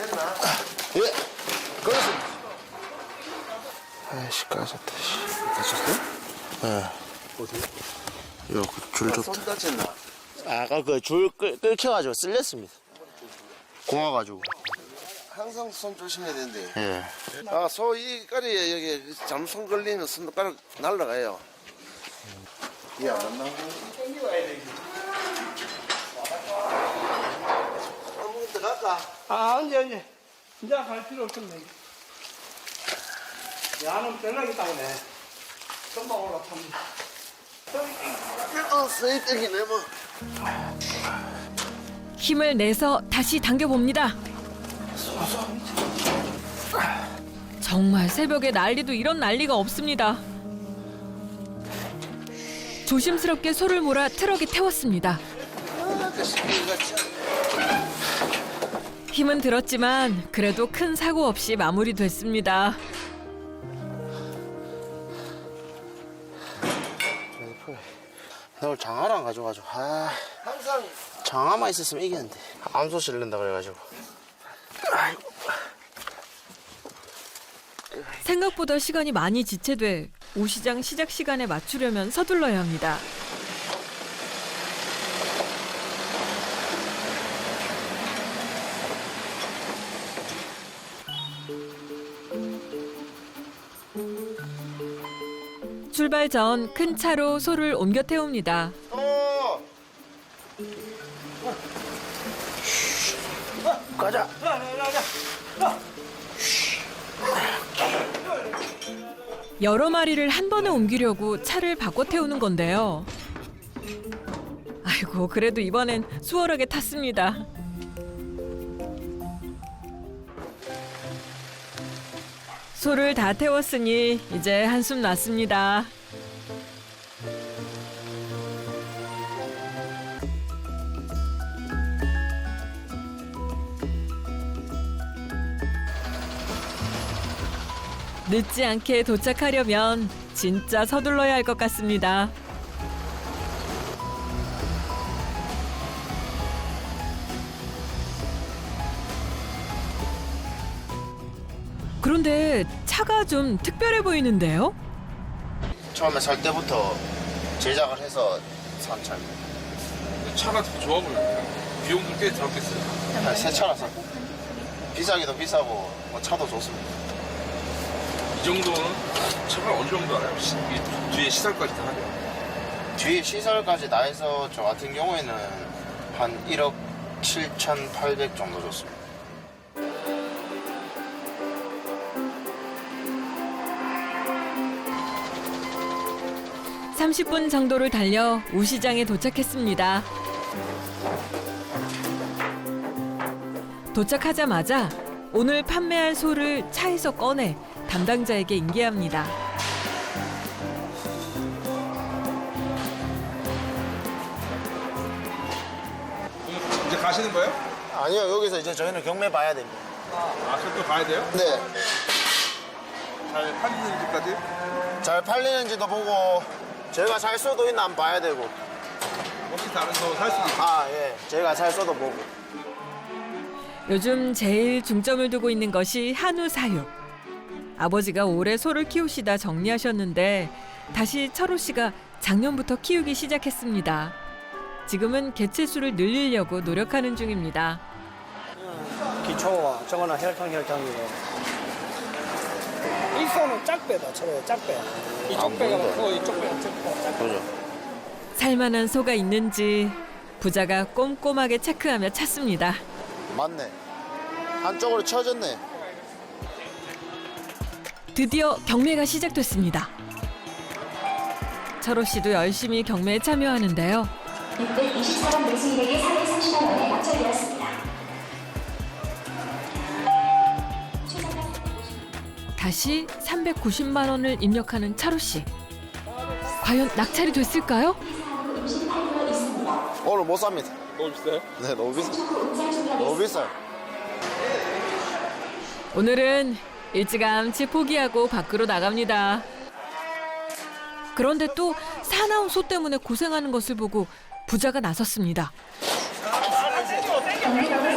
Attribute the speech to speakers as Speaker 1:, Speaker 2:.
Speaker 1: 됐나?
Speaker 2: 예. 꺼냈습니다. 아이씨, 까졌다, 씨.
Speaker 1: 다쳤어?
Speaker 2: 예.
Speaker 1: 어디?
Speaker 2: 요, 줄 줬다.
Speaker 1: 손 다쳤나?
Speaker 2: 아까 그 줄 끌켜가지고 쓸렸습니다. 고와가지고.
Speaker 1: 항상 손 조심해야 되는데.
Speaker 2: 예.
Speaker 1: 아, 소 이 까리에 여기 잘못 손 걸리면 손가락 날라가요. 야, 안 나오고. 한번 들어갈까?
Speaker 3: 아니. 이제 갈 필요 없었네. 야는 연락이 따오네. 금방 올라탑니다.
Speaker 1: 쓰이떡이네, 뭐.
Speaker 4: 힘을 내서 다시 당겨봅니다. 정말 새벽에 난리도 이런 난리가 없습니다. 조심스럽게 소를 몰아 트럭에 태웠습니다. 힘은 들었지만 그래도 큰 사고 없이 마무리됐습니다.
Speaker 2: 나 오늘 장화를 안 가져가지고. 아,
Speaker 1: 항상
Speaker 2: 장화만 있었으면 이겼는데. 암소 실른다 그래가지고. 아이고.
Speaker 4: 생각보다 시간이 많이 지체돼 오시장 시작 시간에 맞추려면 서둘러야 합니다. 출발 전 큰 차로 소를 옮겨 태웁니다.
Speaker 2: 가자.
Speaker 4: 여러 마리를 한 번에 옮기려고 차를 바꿔 태우는 건데요. 아이고, 그래도 이번엔 수월하게 탔습니다. 소를 다 태웠으니 이제 한숨 났습니다. 늦지 않게 도착하려면 진짜 서둘러야 할 것 같습니다. 그런데 차가 좀 특별해 보이는데요?
Speaker 2: 처음에 살 때부터 제작을 해서 산 차입니다.
Speaker 5: 차가 되게 좋아 보여요. 비용도 꽤 들었겠어요.
Speaker 2: 새 차라서 비싸기도 비싸고 뭐 차도 좋습니다.
Speaker 5: 이 정도는 차가 어느 정도 알아요? 이 뒤에 시설까지 다 하죠.
Speaker 2: 뒤에 시설까지 다 해서 저 같은 경우에는 한 1억 7,800 정도 줬습니다.
Speaker 4: (30분) 정도를 달려 우시장에 도착했습니다. 도착하자마자 오늘 판매할 소를 차에서 꺼내 담당자에게 인계합니다.
Speaker 5: 이제 가시는 거예요?
Speaker 2: 아니요, 여기서 이제 저희는 경매 봐야 됩니다.
Speaker 5: 아, 그럼 또 가야 돼요?
Speaker 2: 네.
Speaker 5: 잘 팔리는지까지?
Speaker 2: 잘 팔리는지도 보고 저희가 살 수도 있나 한번 봐야 되고.
Speaker 5: 혹시 다른 거 살 수도 있고.
Speaker 2: 아, 예. 저희가 살 수도 보고.
Speaker 4: 요즘 제일 중점을 두고 있는 것이 한우 사육. 아버지가 오래 소를 키우시다 정리하셨는데 다시 철호 씨가 작년부터 키우기 시작했습니다. 지금은 개체수를 늘리려고 노력하는 중입니다.
Speaker 3: 기초와 저거는 혈통이고. 이 소는 짝배다, 저래 짝배. 이쪽 배가 크고 이쪽 배가 작고.
Speaker 2: 그죠.
Speaker 4: 살만한 소가 있는지 부자가 꼼꼼하게 체크하며 찾습니다.
Speaker 2: 맞네. 한쪽으로 쳐졌네.
Speaker 4: 드디어 경매가 시작됐습니다. 철호 씨도 열심히 경매에 참여하는데요.
Speaker 6: 624번 매수인에게 430만 원에 낙찰되었습니다.
Speaker 4: 다시 390만 원을 입력하는 차로 씨. 과연 낙찰이 됐을까요?
Speaker 2: 오늘 못 삽니다.
Speaker 5: 너무 비싸요?
Speaker 2: 네, 너무 비싸. 너무 비싸요.
Speaker 4: 오늘은 일찌감치 포기하고 밖으로 나갑니다. 그런데 또 사나운 소 때문에 고생하는 것을 보고 부자가 나섰습니다.
Speaker 6: 경매력을